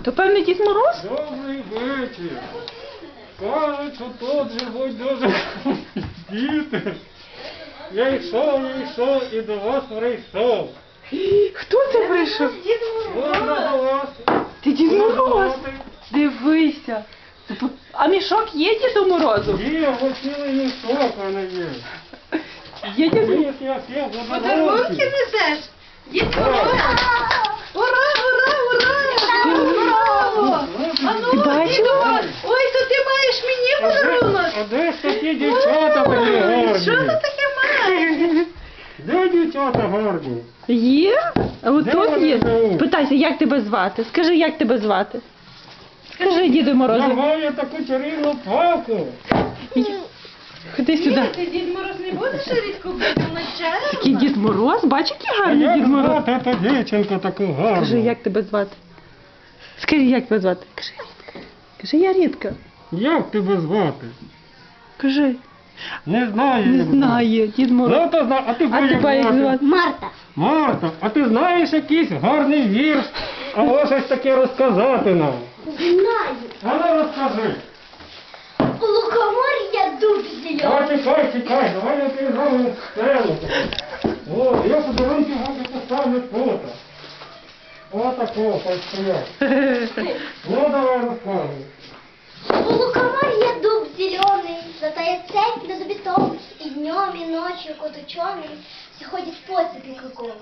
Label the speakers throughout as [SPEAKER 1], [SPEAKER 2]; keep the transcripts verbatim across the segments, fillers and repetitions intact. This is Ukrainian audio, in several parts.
[SPEAKER 1] То певний Дід Мороз?
[SPEAKER 2] Добрий вечір. Кажуть, що тут живуть дуже діти. Я йшов, я йшов і до вас прийшов.
[SPEAKER 1] Хто це прийшов?
[SPEAKER 2] Можна до вас.
[SPEAKER 1] Ти Дід Мороз?
[SPEAKER 2] погуляти?
[SPEAKER 1] Дивися. А мішок є Діду Морозу?
[SPEAKER 2] Є, ось цілий мішок, а не є.
[SPEAKER 1] Є Дід Мороз?
[SPEAKER 2] Є, я всіх
[SPEAKER 3] Подарунки
[SPEAKER 2] подарунки.
[SPEAKER 3] несеш? Дід Мороз! Ура, ура, ура! Браво! А ну,
[SPEAKER 1] Ти бачила?
[SPEAKER 3] Діду Мороз! Ой, то ти маєш мені
[SPEAKER 2] А де,
[SPEAKER 3] подарунок!
[SPEAKER 2] а де ж такі дівчата такі
[SPEAKER 3] Ой, що ти
[SPEAKER 2] гарні?
[SPEAKER 3] таке маєш?
[SPEAKER 2] Де дівчата гарні?
[SPEAKER 1] Є? А от
[SPEAKER 2] Де
[SPEAKER 1] тут
[SPEAKER 2] вони
[SPEAKER 1] є.
[SPEAKER 2] живуть?
[SPEAKER 1] Питайся, як тебе звати? Скажи, як тебе звати? Скажи Діду
[SPEAKER 2] Я
[SPEAKER 1] Морозу.
[SPEAKER 2] маю таку чарівну палку.
[SPEAKER 1] Ходи
[SPEAKER 3] Ні,
[SPEAKER 1] сюди.
[SPEAKER 3] ти Дід Мороз не будеш рідко бити вночі?
[SPEAKER 1] Такий Дід Мороз, бач, який
[SPEAKER 2] А
[SPEAKER 1] гарний
[SPEAKER 2] як
[SPEAKER 1] Дід Мороз.
[SPEAKER 2] звати ту дівчинку таку гарну?
[SPEAKER 1] Скажи, як тебе звати? Скажи, як тебе звати? Кажи, Рідка. Кажи, я Рідка.
[SPEAKER 2] Як тебе звати?
[SPEAKER 1] Кажи.
[SPEAKER 2] Не знаю.
[SPEAKER 1] Не
[SPEAKER 2] як звати.
[SPEAKER 1] знаю, Дід Мороз.
[SPEAKER 2] Ну, то зна... А ти
[SPEAKER 1] А тебе як звати?
[SPEAKER 3] Марта.
[SPEAKER 2] Марта, а ти знаєш якийсь гарний вірш? А ось щось таке розказати нам.
[SPEAKER 4] Знаю.
[SPEAKER 2] А ну розкажи.
[SPEAKER 4] У лукоморья дуб
[SPEAKER 2] А
[SPEAKER 4] зеленый.
[SPEAKER 2] чекай, чекай, давай я тобі зроблю сцену. О, я подарунки вам поставлю фото. О, такого, постоять. Ну, давай розказуй.
[SPEAKER 4] У лукоморья дуб зеленый, золотая цепь над бетон, и днем, и ночью кот ученый все ходит по цепи кругом.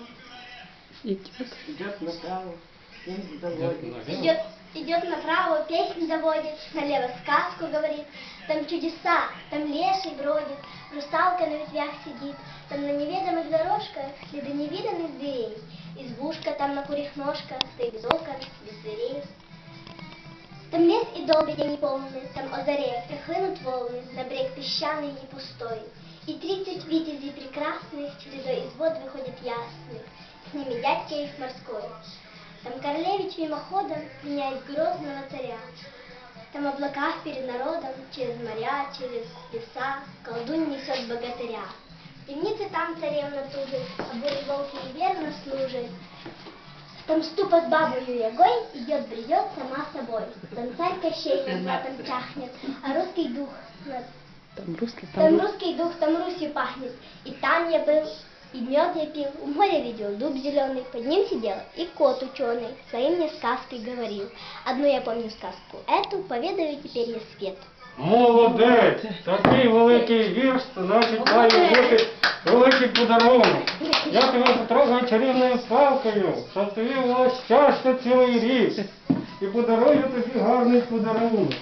[SPEAKER 2] Идет направо,
[SPEAKER 4] Идет, идет направо, песнь заводит, налево сказку говорит. Там чудеса, там леший бродит, русалка на ветвях сидит. Там на неведомых дорожках следы невиданных зверей. Избушка там на курьих ножках, стоит без окон, без дверей. Там лес и долго день полный, там о заре прихлынут волны, на брег песчаный и пустой. И тридцать витязей прекрасных чередой из вод выходят ясных, с ними дядька их морской. Там королевич мимоходом меняет грозного царя. Там облака перед народом, через моря, через леса, колдунь несет богатыря. В темнице там царевна тужит, а бурей волки и верно служит. Там ступа с бабою Ягой идет, бредет сама собой. Там царь Кощей над златом чахнет, а русский дух над...
[SPEAKER 1] Там русский,
[SPEAKER 4] Там
[SPEAKER 1] там
[SPEAKER 4] русский дух, там Русью пахнет. И там я был, и мед я пил, у моря видел дуб зеленый, под ним сидел и кот ученый, своим мне сказкой говорил. Одну я помню сказку, эту поведаю теперь я свет.
[SPEAKER 2] Молодець! Такий великий вірш, це значить має бути великий подарунок. Я тебе потрогаю чарівною палкою, щоб тобі було щастя цілий рік. І подарую тобі гарний подарунок.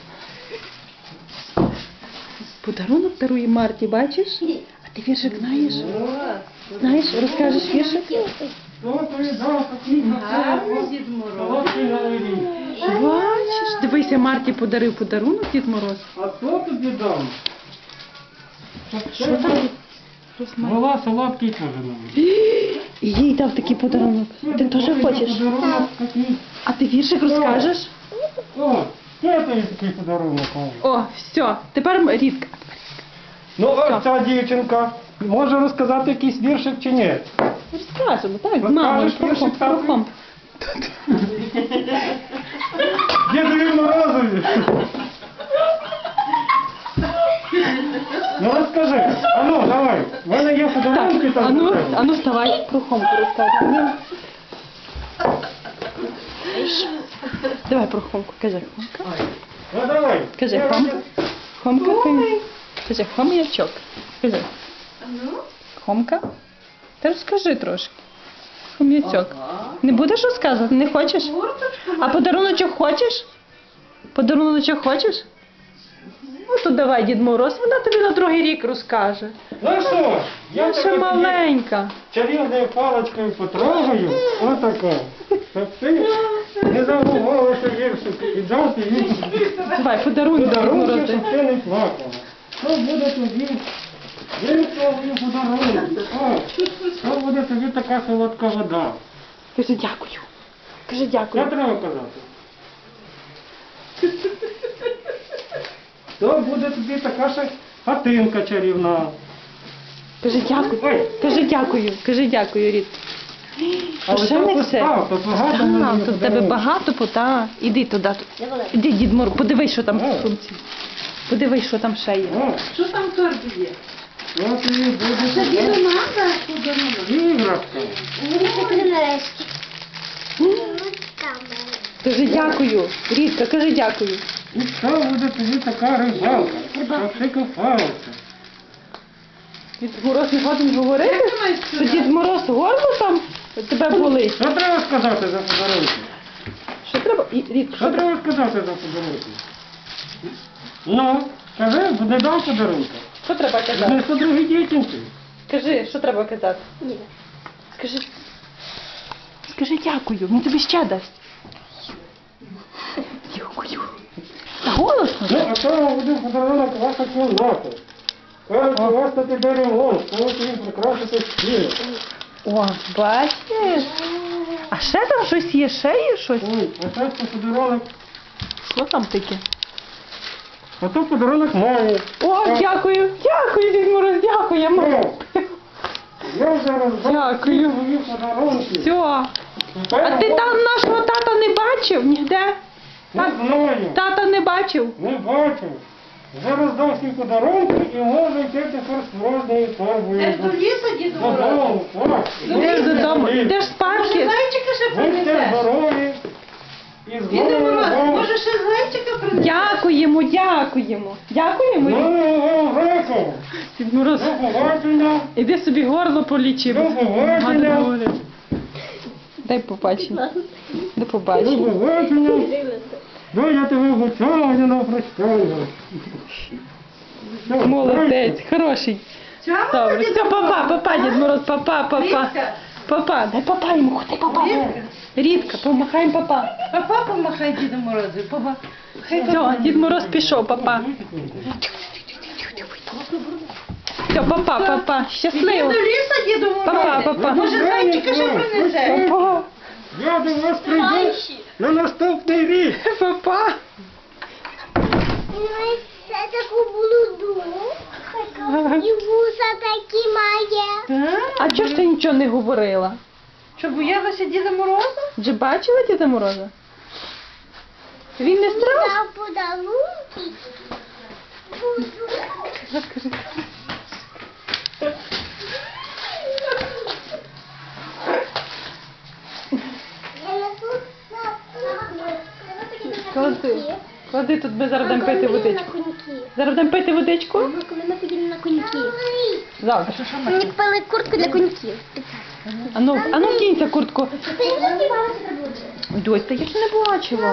[SPEAKER 1] подарунок дарує Марті, бачиш? А ти віршик знаєш? Знаєш, розкажеш віршик?
[SPEAKER 2] Хто тобі дав такий
[SPEAKER 3] Гарний Дід Мороз.
[SPEAKER 2] солодкий новий рік?
[SPEAKER 1] Бачиш, дивися, Марті подарив подарунок Дід Мороз.
[SPEAKER 2] А хто тобі дав?
[SPEAKER 1] Що там?
[SPEAKER 2] Була солодкий теж новий.
[SPEAKER 1] І їй дав такий подарунок. Ти теж хочеш?
[SPEAKER 2] Подарунок такий.
[SPEAKER 1] А ти віршик розкажеш?
[SPEAKER 2] О, це тобі такий подарунок. о.
[SPEAKER 1] О, все, тепер Рідка.
[SPEAKER 2] Ну, ось ця дівчинка. Може розказати якийсь віршик чи ні?
[SPEAKER 1] Розкажемо, так, з мамою,
[SPEAKER 2] Розкажеш віршик,
[SPEAKER 1] про
[SPEAKER 2] тату?
[SPEAKER 1] комп.
[SPEAKER 2] Дідові Морозові. Ну розкажи. А ну, давай. В мене є подарунки
[SPEAKER 1] Так,
[SPEAKER 2] там.
[SPEAKER 1] ану,
[SPEAKER 2] для тебе.
[SPEAKER 1] ану вставай, про Хомку розказуй. Давай про Хомку, кажи Хомка.
[SPEAKER 2] Ну давай.
[SPEAKER 1] Кажи
[SPEAKER 2] Я
[SPEAKER 1] Хомка.
[SPEAKER 2] роз-
[SPEAKER 1] Хомка, ти- кажи хом'ячок. Кажи.
[SPEAKER 3] Ну?
[SPEAKER 1] Хомка. Та розкажи трошки. Хом'ячок. Не будеш розказувати? Не хочеш?
[SPEAKER 3] Курточку.
[SPEAKER 1] А подаруночок хочеш? Подаруночок хочеш? Ну то давай, Дід Мороз, вона тобі на другий рік розкаже.
[SPEAKER 2] Ну що ж, я
[SPEAKER 1] Я ще
[SPEAKER 2] тебе
[SPEAKER 1] маленька.
[SPEAKER 2] чарівною паличкою потрогаю. Отако. Щоб ти не забувалася віршик і дати їй
[SPEAKER 1] Давай, подарунок Дід
[SPEAKER 2] подарунки,
[SPEAKER 1] Мороз.
[SPEAKER 2] щоб ти не плакала. Що буде тобі? Віршовий подарунок. О, що буде тобі така солодка вода?
[SPEAKER 1] Кажи дякую. Кажи
[SPEAKER 2] Що
[SPEAKER 1] дякую.
[SPEAKER 2] треба казати? То буде тобі така ще хатинка чарівна.
[SPEAKER 1] Кажи дякую.
[SPEAKER 2] Ой.
[SPEAKER 1] Кажи дякую. Кажи дякую, Рід.
[SPEAKER 2] Але
[SPEAKER 1] ще
[SPEAKER 2] то
[SPEAKER 1] не
[SPEAKER 2] постав,
[SPEAKER 1] все.
[SPEAKER 2] то багато
[SPEAKER 1] Так,
[SPEAKER 2] мені
[SPEAKER 1] тут в тебе
[SPEAKER 2] подарунків.
[SPEAKER 1] багато пота. Іди туди.
[SPEAKER 4] Я велика.
[SPEAKER 1] Іди, Дід Мороз, подивись, що там
[SPEAKER 2] О.
[SPEAKER 1] в сумці. Подивись, що там ще є.
[SPEAKER 2] О,
[SPEAKER 3] Що там в торбі є?
[SPEAKER 2] я тобі буду
[SPEAKER 3] Це
[SPEAKER 2] подарувати
[SPEAKER 3] діду надо подарунок.
[SPEAKER 2] іграшку.
[SPEAKER 4] Мені куплю нарешті. Там мене.
[SPEAKER 1] Кажи дякую. Рідка, кажи дякую.
[SPEAKER 2] І що буде тобі така рибалка, щоб ти купався.
[SPEAKER 1] Дід Мороз не годен говорити? Що Дід Мороз горло там тебе болить?
[SPEAKER 2] Що треба сказати за подарунки?
[SPEAKER 1] Що треба? І, Рідка,
[SPEAKER 2] Що
[SPEAKER 1] що треба?
[SPEAKER 2] треба сказати за подарунки? Ну, кажи, не дам подарунка.
[SPEAKER 1] Що треба казати?
[SPEAKER 2] Знесу другій дівчинці.
[SPEAKER 1] Скажи, що треба казати?
[SPEAKER 4] Ні.
[SPEAKER 1] Скажи. Скажи дякую, він тобі ще дасть. Дякую. Та голосно.
[SPEAKER 2] Ну, а то буде подарунок ваша кімната. Кажуть, у вас тут іде ремонт, можете їм прикрасити стіл.
[SPEAKER 1] О, бачиш? А ще там щось є, ще є щось?
[SPEAKER 2] Ой, а це подарунок.
[SPEAKER 1] Що там таке?
[SPEAKER 2] А то подарунок мамі.
[SPEAKER 1] О, дякую, дякую, Дід Мороз, дякуємо.
[SPEAKER 2] О, я зараз
[SPEAKER 1] Дякую.
[SPEAKER 2] мої подарунки.
[SPEAKER 1] Все. А ти там нашого тата не бачив ніде?
[SPEAKER 2] Не знаю,
[SPEAKER 1] Тата не бачив?
[SPEAKER 2] не бачив. Зараз дам всі подарунки і можу йти тепер з розною торбою.
[SPEAKER 3] Йдеш до лісу, діду Мороз?
[SPEAKER 2] Додому, так.
[SPEAKER 1] Йдеш додому, йдеш
[SPEAKER 3] Може,
[SPEAKER 1] спадки.
[SPEAKER 3] зайчика ще
[SPEAKER 2] Будьте
[SPEAKER 3] принесеш?
[SPEAKER 2] здорові. І з
[SPEAKER 3] Діду
[SPEAKER 2] Новим
[SPEAKER 3] Мороз,
[SPEAKER 2] роком.
[SPEAKER 3] може ще зайчика принесеш?
[SPEAKER 1] Дякуємо, дякуємо. Дякуємо.
[SPEAKER 2] З Новим роком.
[SPEAKER 1] Дід Мороз,
[SPEAKER 2] До побачення.
[SPEAKER 1] іди собі горло полічи.
[SPEAKER 2] До побачення.
[SPEAKER 1] Дай побачення. До
[SPEAKER 2] До
[SPEAKER 1] побачення.
[SPEAKER 2] побачення. Ну, я тебе вручаю на прощання. Все,
[SPEAKER 1] Молодець, хороший.
[SPEAKER 3] Чого,
[SPEAKER 1] Добре,
[SPEAKER 3] Діду
[SPEAKER 1] все, папа,
[SPEAKER 3] Мороз?
[SPEAKER 1] папа, Дід Мороз, папа, папа.
[SPEAKER 3] Рідка.
[SPEAKER 1] Папа, дай папа йому, ходи папа.
[SPEAKER 3] Рідка.
[SPEAKER 1] Рідка, помахаємо папа.
[SPEAKER 3] Папа помахай Діду Морозу. Папа. Хай
[SPEAKER 1] Все, Дід Мороз пішов, папа. Все, папа, папа,
[SPEAKER 3] Іди
[SPEAKER 1] щасливо.
[SPEAKER 3] до лісу, Діду Мороз.
[SPEAKER 1] Папа, папа.
[SPEAKER 3] Може, зайчика ще принесеш?
[SPEAKER 1] Папа,
[SPEAKER 2] Я до вас прийду на наступний рік.
[SPEAKER 1] папа.
[SPEAKER 4] Ой, це таку блуду. І вуса такі має.
[SPEAKER 3] Так?
[SPEAKER 1] А чого ж ти нічого не говорила?
[SPEAKER 3] Що, боялася Діда Мороза?
[SPEAKER 1] Вже бачила Діда Мороза? Він не страшний?
[SPEAKER 4] Дав подарунки.
[SPEAKER 1] Розкажи.
[SPEAKER 4] Я несу на
[SPEAKER 1] Клади. Клади тут, ми зараз будемо пити водичку. Зараз будемо пити водичку?
[SPEAKER 4] Коли ми ходили на коньків.
[SPEAKER 1] Завтра.
[SPEAKER 4] Мені купили куртку для коньків.
[SPEAKER 1] Ану, ану вдінься куртку.
[SPEAKER 4] Ти не співалася про
[SPEAKER 1] Дось, та я ж не бачила.